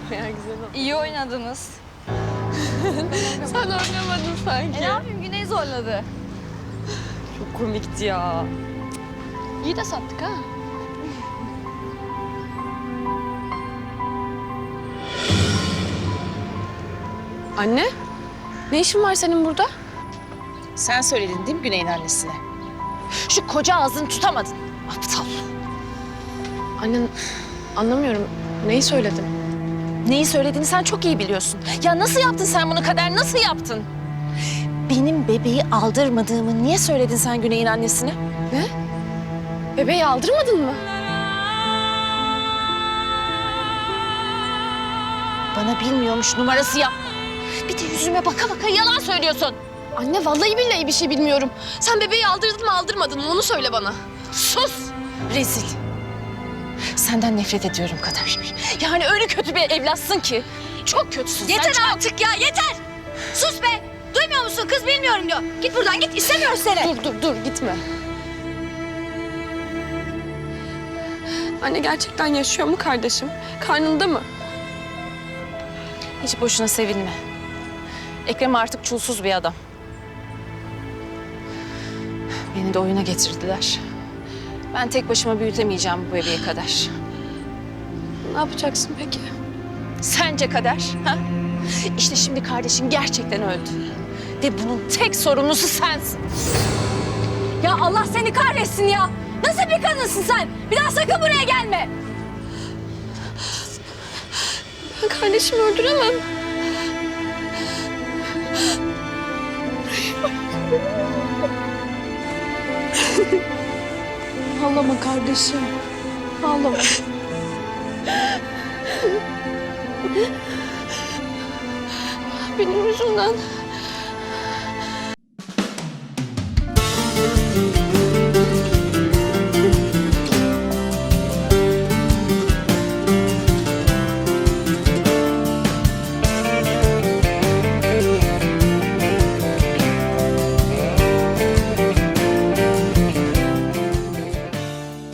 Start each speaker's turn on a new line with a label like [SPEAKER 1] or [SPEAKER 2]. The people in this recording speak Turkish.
[SPEAKER 1] Bayağı güzel oldu.
[SPEAKER 2] İyi oynadınız.
[SPEAKER 1] Sen oynamadın sanki.
[SPEAKER 2] Ne yapayım, Güney zorladı.
[SPEAKER 1] Çok komikti ya.
[SPEAKER 3] İyi de sattık ha. Anne, ne işin var senin burada?
[SPEAKER 4] Sen söyledin değil mi Güney'in annesine? Şu koca ağzını tutamadın. Aptal.
[SPEAKER 3] Anne, anlamıyorum. Neyi söyledin?
[SPEAKER 4] Neyi söylediğini sen çok iyi biliyorsun. Ya nasıl yaptın sen bunu Kader? Nasıl yaptın? Benim bebeği aldırmadığımı niye söyledin sen Güney'in annesine?
[SPEAKER 3] Ne? Bebeği aldırmadın mı?
[SPEAKER 4] Bana bilmiyormuş numarası yapma. Bir de yüzüme baka baka yalan söylüyorsun.
[SPEAKER 3] Anne, vallahi billahi bir şey bilmiyorum. Sen bebeği aldırdın mı aldırmadın mı onu söyle bana.
[SPEAKER 4] Sus! Rezil. Senden nefret ediyorum Kader. Yani öyle kötü bir evlatsın ki. Çok kötüsün.
[SPEAKER 2] Yeter
[SPEAKER 4] sen
[SPEAKER 2] artık ya, yeter! Sus be! Duymuyor musun? Kız bilmiyorum diyor. Git buradan, git. İstemiyoruz seni.
[SPEAKER 3] Dur gitme. Anne, gerçekten yaşıyor mu kardeşim? Karnında mı?
[SPEAKER 4] Hiç boşuna sevinme. Ekrem artık çulsuz bir adam. Beni de oyuna getirdiler. Ben tek başıma büyütemeyeceğim bu bebeğe Kader.
[SPEAKER 3] Ne yapacaksın peki?
[SPEAKER 4] Sence Kader? Ha? İşte şimdi kardeşin gerçekten öldü. Ve bunun tek sorumlusu sensin.
[SPEAKER 2] Ya Allah seni kahretsin ya! Nasıl bir kadınsın sen? Bir daha sakın buraya gelme!
[SPEAKER 3] Ben kardeşimi öldüremem. Ağlama kardeşim. Ağlama. Benim yüzümden.